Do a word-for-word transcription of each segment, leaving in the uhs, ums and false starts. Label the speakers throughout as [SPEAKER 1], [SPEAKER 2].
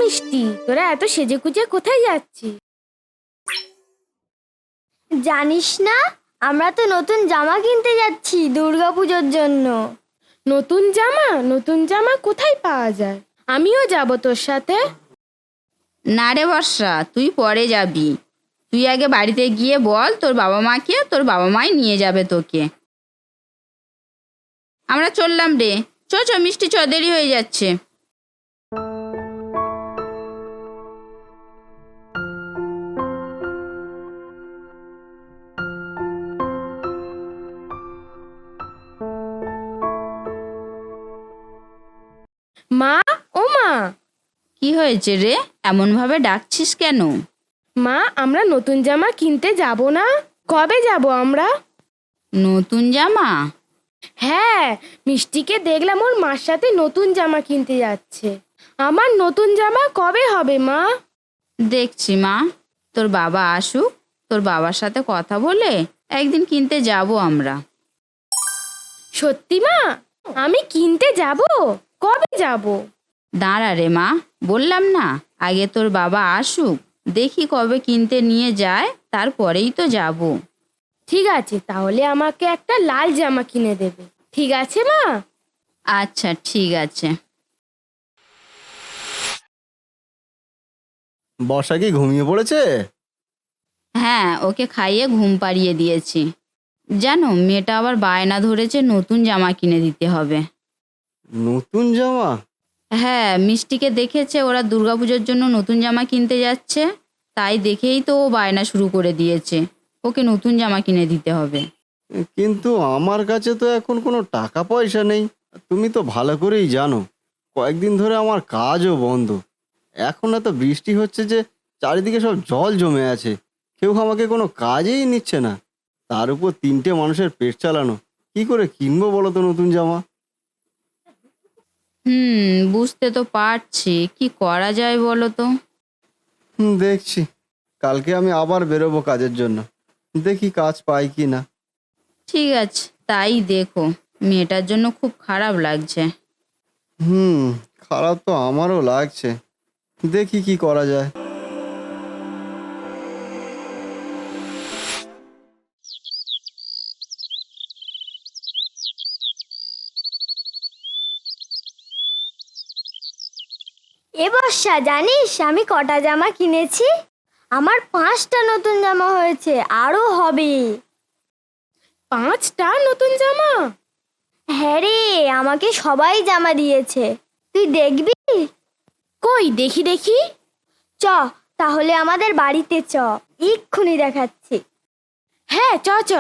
[SPEAKER 1] মিষ্টি, তোরা এত সেজে গুজে কোথায় যাচ্ছিস?
[SPEAKER 2] জানিস না, আমরা তো নতুন জামা কিনতে যাচ্ছি দুর্গাপুজোর জন্য।
[SPEAKER 1] নতুন জামা? নতুন জামা কোথায় পাওয়া যায়? আমিও যাব তোর সাথে।
[SPEAKER 3] না রে বর্ষা, তুই পরে যাবি। তুই আগে বাড়িতে গিয়ে বল তোর বাবা মাকে, তোর বাবা মাই নিয়ে যাবে তোকে। আমরা চললাম রে। চ চ মিষ্টি, চ, দেরি হয়ে যাচ্ছে।
[SPEAKER 1] মা, ও মা।
[SPEAKER 3] কি হয়েছে রে, এমন ভাবে ডাকছিস কেন?
[SPEAKER 1] মা, আমরা নতুন জামা কিনতে যাব না? কবে যাব আমরা?
[SPEAKER 3] নতুন জামা?
[SPEAKER 1] হ্যাঁ, মিষ্টিকে দেখলাম ওর মার সাথে নতুন জামা কিনতে যাচ্ছে। আমার নতুন জামা কবে হবে মা?
[SPEAKER 3] দেখছি মা, তোর বাবা আসুক, তোর বাবার সাথে কথা বলে একদিন কিনতে যাব আমরা।
[SPEAKER 1] সত্যি মা? আমি কিনতে যাব? কবে যাব?
[SPEAKER 3] দাঁড়া রে মা, বললাম না আগে তোর বাবা আসুক, দেখি কবে কিনতে নিয়ে যায়, তারপরেই তো যাব।
[SPEAKER 1] ঠিক আছে, তাহলে আমাকে একটা লাল জামা কিনে দেবে। ঠিক আছে মা?
[SPEAKER 3] আচ্ছা ঠিক আছে।
[SPEAKER 4] বর্ষা কি ঘুমিয়ে পড়েছে?
[SPEAKER 3] হ্যাঁ, ওকে খাইয়ে ঘুম পাড়িয়ে দিয়েছি। জানো, মেয়েটা আবার বায়না ধরেছে নতুন জামা কিনে দিতে হবে।
[SPEAKER 4] নতুন জামা?
[SPEAKER 3] হ্যাঁ, মিষ্টিকে দেখেছে ওরা দুর্গাপুজোর জন্য নতুন জামা কিনতে যাচ্ছে, তাই দেখেই তো ও বায়না শুরু করে দিয়েছে ওকে নতুন জামা কিনে দিতে হবে।
[SPEAKER 4] কিন্তু আমার কাছে তো এখন কোনো টাকা পয়সা নেই। তুমি তো ভালো করেই জানো কয়েকদিন ধরে আমার কাজও বন্ধ। এখন এত বৃষ্টি হচ্ছে যে চারিদিকে সব জল জমে আছে, কেউ আমাকে কোনো কাজেই নিচ্ছে না। তার উপর তিনটে মানুষের পেট চালানো, কি করে কিনবো বলো তো নতুন জামা?
[SPEAKER 3] হুম, বুঝতে তো পারছি, কি করা যায় বলো তো।
[SPEAKER 4] হুম, দেখছি কালকে আমি আবার বেরোবো কাজের জন্য, দেখি কাজ পাই কি না।
[SPEAKER 3] ঠিক আছে, তাই দেখো। মেয়েটার জন্য খুব খারাপ লাগছে।
[SPEAKER 4] হুম, খারাপ তো আমারও লাগছে, দেখি কি করা যায়।
[SPEAKER 2] এ বর্ষা, জানিস আমি কটা জামা কিনেছি? আমার পাঁচটা নতুন জামা হয়েছে, আরো হবে।
[SPEAKER 1] পাঁচটা নতুন জামা?
[SPEAKER 2] হ্যাঁ রে, আমাকে সবাই জামা দিয়েছে। তুই দেখবি?
[SPEAKER 1] কই দেখি দেখি।
[SPEAKER 2] চ, তাহলে আমাদের বাড়িতে চ, এক্ষুনি দেখাচ্ছি।
[SPEAKER 1] হ্যাঁ, চ চ।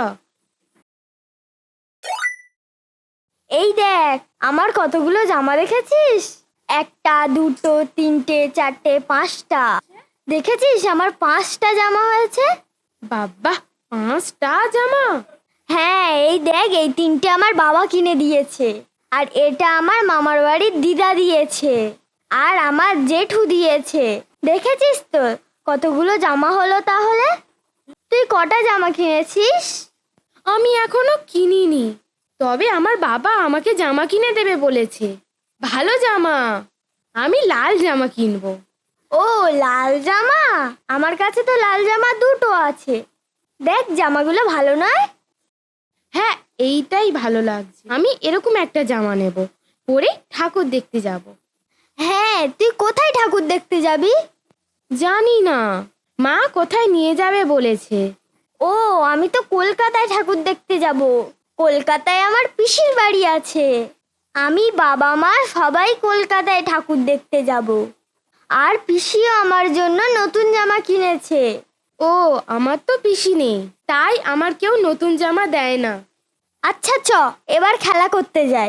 [SPEAKER 2] এই দেখ, আমার কতগুলো জামা দেখেছিস? একটা, দুটো, তিনটে, চারটে, পাঁচটা। দেখেছিস আমার পাঁচটা জামা হয়েছে?
[SPEAKER 1] বাবা, পাঁচটা জামা?
[SPEAKER 2] হ্যাঁ, এই দেখ, এই তিনটে আমার বাবা কিনে দিয়েছে, আর এটা আমার মামার বাড়ির দিদা দিয়েছে, আর আমার জেঠু দিয়েছে। দেখেছিস তো কতগুলো জামা হলো তাহলে? তুই কটা জামা কিনেছিস?
[SPEAKER 1] আমি এখনো কিনিনি, তবে আমার বাবা আমাকে জামা কিনে দেবে বলেছে। ভালো জামা, আমি লাল জামা কিনবো।
[SPEAKER 2] ও, লাল জামা? আমার কাছে তো লাল জামা দুটো আছে। দেখ, জামাগুলো ভালো নয়?
[SPEAKER 1] হ্যাঁ, এইটাই ভালো লাগছে। আমি এরকম একটা জামা নেব, পরে ঠাকুর দেখতে যাব।
[SPEAKER 2] হ্যাঁ, তুই কোথায় ঠাকুর দেখতে যাবি?
[SPEAKER 1] জানি না, মা কোথায় নিয়ে যাবে বলেছে।
[SPEAKER 2] ও, আমি তো কলকাতায় ঠাকুর দেখতে যাব। কলকাতায় আমার পিসির বাড়ি আছে। আমি, বাবা, মা সবাই কলকাতায় ঠাকুর দেখতে যাব। আর পিসিও আমার জন্য নতুন জামা কিনেছে।
[SPEAKER 1] ও, আমার তো পিসি নেই, তাই আমার কেউ নতুন জামা দেয় না।
[SPEAKER 2] আচ্ছা চ, এবার খেলা করতে যাই।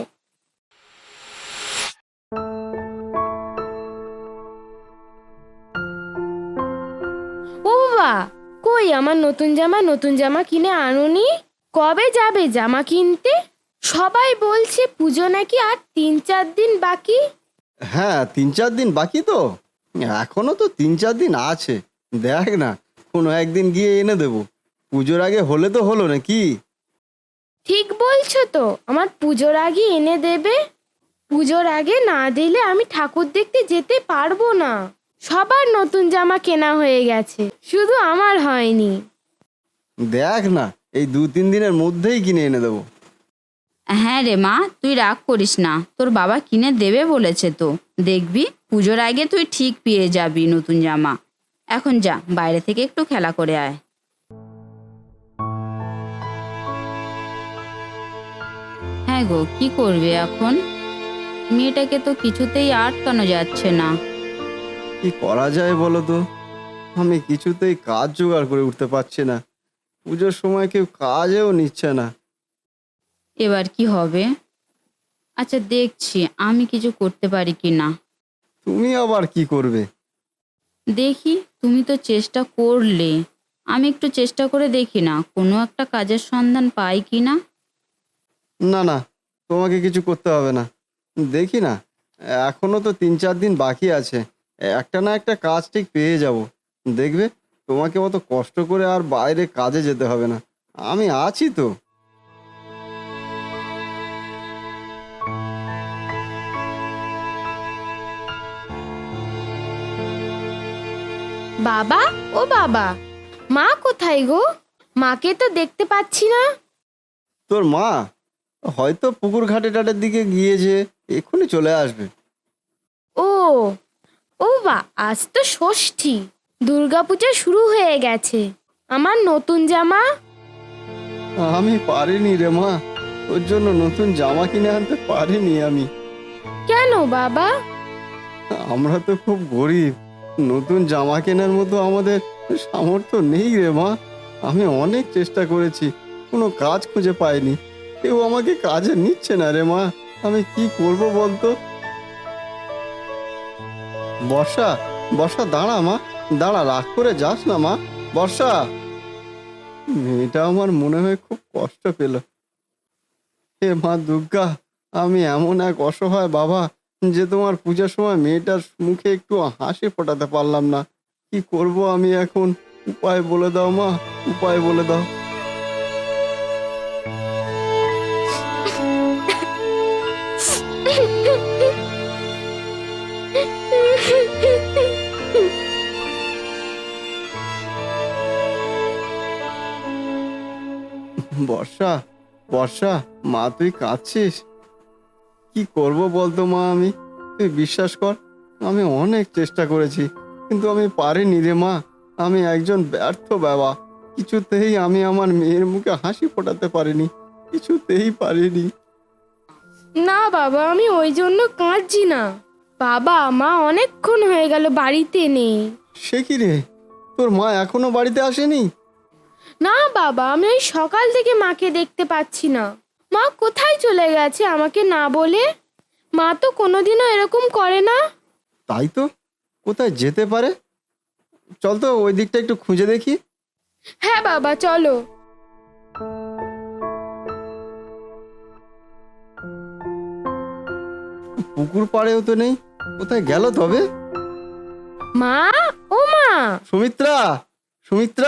[SPEAKER 1] ও বাবা, কই আমার নতুন জামা? নতুন জামা কিনে আনোনি? কবে যাবে জামা কিনতে? সবাই বলছে পুজো নাকি আর তিন চার দিন বাকি।
[SPEAKER 4] হ্যাঁ, তিন চার দিন বাকি তো, এখনো তো তিন চার দিন আছে। দেখ না, কোনো একদিন গিয়ে এনে দেবো। পুজোর আগে হলে তো হলো নাকি?
[SPEAKER 1] ঠিক বলছো তো, আমার পুজোর আগে এনে দেবে। পুজোর আগে না দিলে আমি ঠাকুর দেখতে যেতে পারবো না। সবার নতুন জামা কেনা হয়ে গেছে, শুধু আমার হয়নি।
[SPEAKER 4] দেখ না, এই দু তিন দিনের মধ্যেই কিনে এনে দেবো।
[SPEAKER 3] হ্যাঁ রে মা, তুই রাগ করিস না, তোর বাবা কিনে দেবে বলেছে তো। দেখবি পুজোর আগে তুই ঠিক পেয়ে যাবি নতুন জামা। এখন যা, বাইরে থেকে একটু খেলা করে আয়। হ্যাঁ গো, কি করবে এখন? মেয়েটাকে তো কিছুতেই আটকানো যাচ্ছে না।
[SPEAKER 4] কি করা যায় বলো তো? আমি কিছুতেই কাজ জোগাড় করে উঠতে পারছি না। পুজোর সময় কেউ কাজেও নিচ্ছে না।
[SPEAKER 3] এবার কি হবে? আচ্ছা দেখছি আমি কিছু করতে পারি কি না।
[SPEAKER 4] তুমি আবার কি করবে?
[SPEAKER 3] দেখি, তুমি তো চেষ্টা করলে, আমি একটু চেষ্টা করে দেখি না কোনো একটা কাজের সন্ধান পাই কি না।
[SPEAKER 4] না না, তোমাকে কিছু করতে হবে না। দেখি না, এখনো তো তিন চার দিন বাকি আছে। একটা না একটা কাজ ঠিক পেয়ে যাব। দেখবে, তোমাকে অত কষ্ট করে আর বাইরে কাজে যেতে হবে না। আমি আছি তো।
[SPEAKER 1] বাবা, ও বাবা, মা কোথায় গো? মাকে তো দেখতে পাচ্ছি না।
[SPEAKER 4] তোর মা হয়তো পুকুর ঘাটে টাটের দিকে গিয়েছে, এক্ষুনি চলে আসবে।
[SPEAKER 1] ও ও বা, আজ তো ষষ্ঠী, দুর্গাপূজা শুরু হয়ে গেছে। আমার নতুন জামা?
[SPEAKER 4] আমি পারিনি রে মা, তোর জন্য নতুন জামা কিনে আনতে পারিনি আমি।
[SPEAKER 1] কেন বাবা?
[SPEAKER 4] আমরা তো খুব গরিব, নতুন জামা কেনার মতো আমাদের সামর্থ্য নেই রে মা। আমি অনেক চেষ্টা করেছি, কোনো কাজ খুঁজে পাইনি। কেউ আমাকে কাজে নিচ্ছে না রে মা। আমি কি করব বলতো? বর্ষা, বর্ষা দাঁড়া মা, দাঁড়া, রাগ করে যাস না মা। বর্ষা, মেয়েটা আমার মনে হয় খুব কষ্ট পেল। হে মা দুর্গা, আমি এমন এক অসহায় বাবা যে তোমার পূজার সময় মেয়েটার মুখে একটু হাসি ফোটাতে পারলাম না। কি করব আমি এখন? উপায় বলে দাও মা, উপায় বলে দাও। বর্ষা, বর্ষা, মা তুই কাঁদছিস? কি করব বলতো মা আমি? তুই বিশ্বাস কর, আমি অনেক চেষ্টা করেছি, কিন্তু আমি পারিনি রে মা। আমি একজন ব্যর্থ বাবা। কিছুতেই আমি আমার মেয়ের মুখে হাসি ফোটাতে পারিনি, কিছুতেই পারিনি।
[SPEAKER 1] না বাবা, আমি ওই জন্য কাঁদছি না। বাবা, মা অনেকক্ষণ হয়ে গেল বাড়িতে নেই।
[SPEAKER 4] সে কি রে, তোর মা এখনো বাড়িতে আসেনি?
[SPEAKER 1] না বাবা, আমি ওই সকাল থেকে মাকে দেখতে পাচ্ছি না। মা কোথায় চলে গেছে আমাকে না বলে? মা তো কোনোদিনও এরকম করে না।
[SPEAKER 4] তাই তো, কোথায় যেতে পারে? চল তো ওই দিকটা একটু খুঁজে দেখি।
[SPEAKER 1] হ্যাঁ বাবা, চলো।
[SPEAKER 4] পুকুর পাড়েও তো নেই, কোথায় গেল তবে?
[SPEAKER 1] মা, ও মা!
[SPEAKER 4] সুমিত্রা, সুমিত্রা!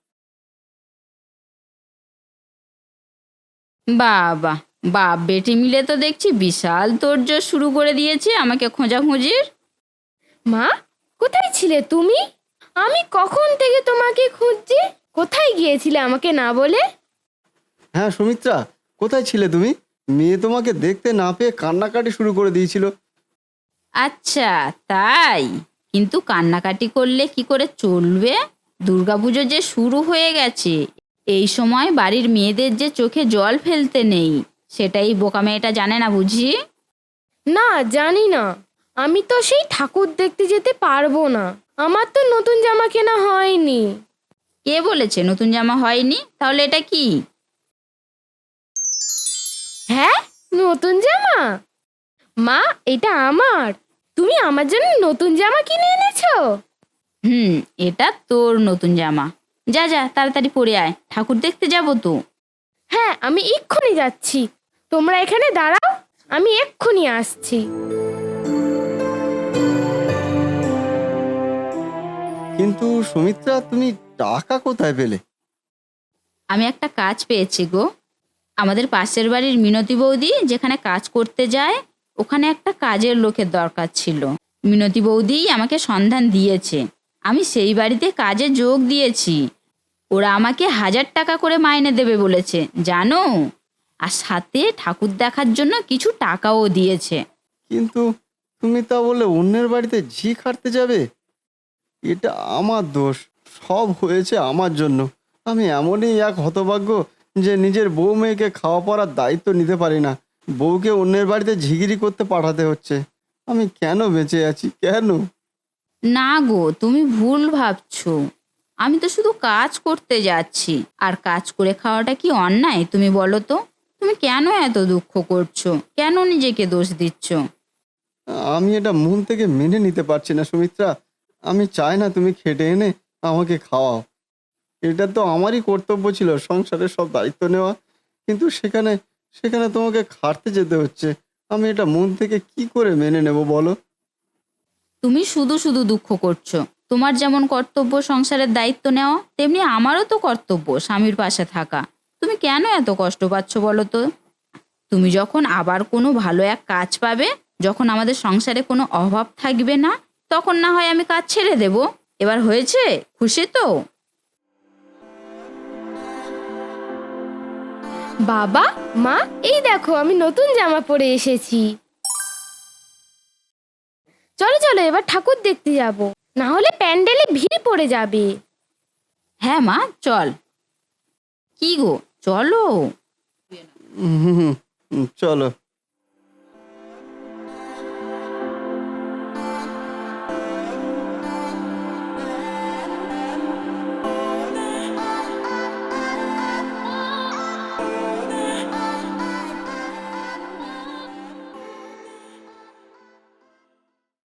[SPEAKER 3] বাবা, বাপ বেটি মিলে তো দেখছি বিশাল তোড়জোড় শুরু করে দিয়েছে আমাকে খোঁজাখুঁজির।
[SPEAKER 1] মা, কোথায় ছিলে তুমি? আমি কখন থেকে তোমাকে খুঁজছি। কোথায় গিয়েছিলে আমাকে না বলে?
[SPEAKER 4] হ্যাঁ সুমিত্রা, কোথায় ছিলে তুমি? মেয়ে তোমাকে দেখতে না পেয়ে কান্নাকাটি শুরু করে দিয়েছিল।
[SPEAKER 3] আচ্ছা তাই, কিন্তু কান্নাকাটি করলে কি করে চলবে? দুর্গাপুজো যে শুরু হয়ে গেছে, এই সময় বাড়ির মেয়েদের যে চোখে জল ফেলতে নেই, সেটাই বোকা মেয়েটা জানে না বুঝি?
[SPEAKER 1] না, জানি না। আমি তো সেই ঠাকুর দেখতে যেতে পারবো না। আমার তো নতুন জামা কেনা হয়নি।
[SPEAKER 3] কে বলেছে নতুন জামা হয়নি? তাহলে এটা কি?
[SPEAKER 1] হ্যাঁ, নতুন জামা? মা, এটা আমার। তুমি আমার জন্য নতুন জামা কিনে এনেছো?
[SPEAKER 3] হুম, এটা তোর নতুন জামা। যা যা, তাড়াতাড়ি পরে আয়, ঠাকুর দেখতে যাবো তো।
[SPEAKER 1] হ্যাঁ, আমি এক্ষুনি যাচ্ছি। তোমরা এখানে দাঁড়াও, আমি এক্ষুনি আসছি।
[SPEAKER 4] কিন্তু সুমিত্রা, তুমি টাকা কোথায় পেলে?
[SPEAKER 3] আমি একটা কাজ পেয়েছি গো। আমাদের পাশের বাড়ির মিনতি বৌদি যেখানে কাজ করতে যায়, ওখানে একটা কাজের লোকের দরকার ছিল। মিনতি বৌদি আমাকে সন্ধান দিয়েছে, আমি সেই বাড়িতে কাজে যোগ দিয়েছি। ওরা আমাকে হাজার টাকা করে মাইনে দেবে বলেছে জানো, আর সাথে ঠাকুর দেখার জন্য কিছু টাকাও দিয়েছে।
[SPEAKER 4] কিন্তু তুমি তা বলে অন্যের বাড়িতে ঝি খাটতে যাবে? এটা আমার দোষ, সব হয়েছে আমার জন্য। আমি এমনই এক হতভাগ্য যে নিজের বউ মেয়েকে খাওয়া পড়ার দায়িত্ব নিতে পারি না, বউকে অন্যের বাড়িতে ঝিগিরি করতে পাঠাতে হচ্ছে। আমি কেন বেঁচে আছি, কেন?
[SPEAKER 3] না গো, তুমি ভুল ভাবছো। আমি তো শুধু কাজ করতে যাচ্ছি, আর কাজ করে খাওয়াটা কি অন্যায় তুমি বলো তো? তুমি কেন এত দুঃখ করছো, কেন নিজেকে দোষ দিচ্ছ?
[SPEAKER 4] আমি এটা মন থেকে মেনে নিতে পারছি না সুমিত্রা। আমি চাই না তুমি খেটে এনে আমাকে খাওয়াও, এটা তো আমারই কর্তব্য ছিল সংসারের সব দায়িত্ব নেওয়া, কিন্তু সেখানে সেখানে তোমাকে খাটতে যেতে হচ্ছে। আমি এটা মন থেকে কি করে মেনে নেব বলো?
[SPEAKER 3] তুমি শুধু শুধু দুঃখ করছো। তোমার যেমন কর্তব্য সংসারের দায়িত্ব নেওয়া, তেমনি আমারও তো কর্তব্য স্বামীর পাশে থাকা। তুমি কেন এত কষ্ট পাচ্ছ বলো তো? তুমি যখন আবার কোনো ভালো এক কাজ পাবে, যখন আমাদের সংসারে কোনো অভাব থাকবে না, তখন না হয় আমি কাজ ছেড়ে দেব। এবার হয়েছে, খুশি তো?
[SPEAKER 1] বাবা, মা, এই দেখো আমি নতুন জামা পরে এসেছি। চলো চলো এবার ঠাকুর দেখতে যাব, না হলে প্যান্ডেলে ভিড় পড়ে যাবে।
[SPEAKER 3] হ্যাঁ মা, চল। কি গো, চলো।
[SPEAKER 4] হুম হুম হুম, চলো।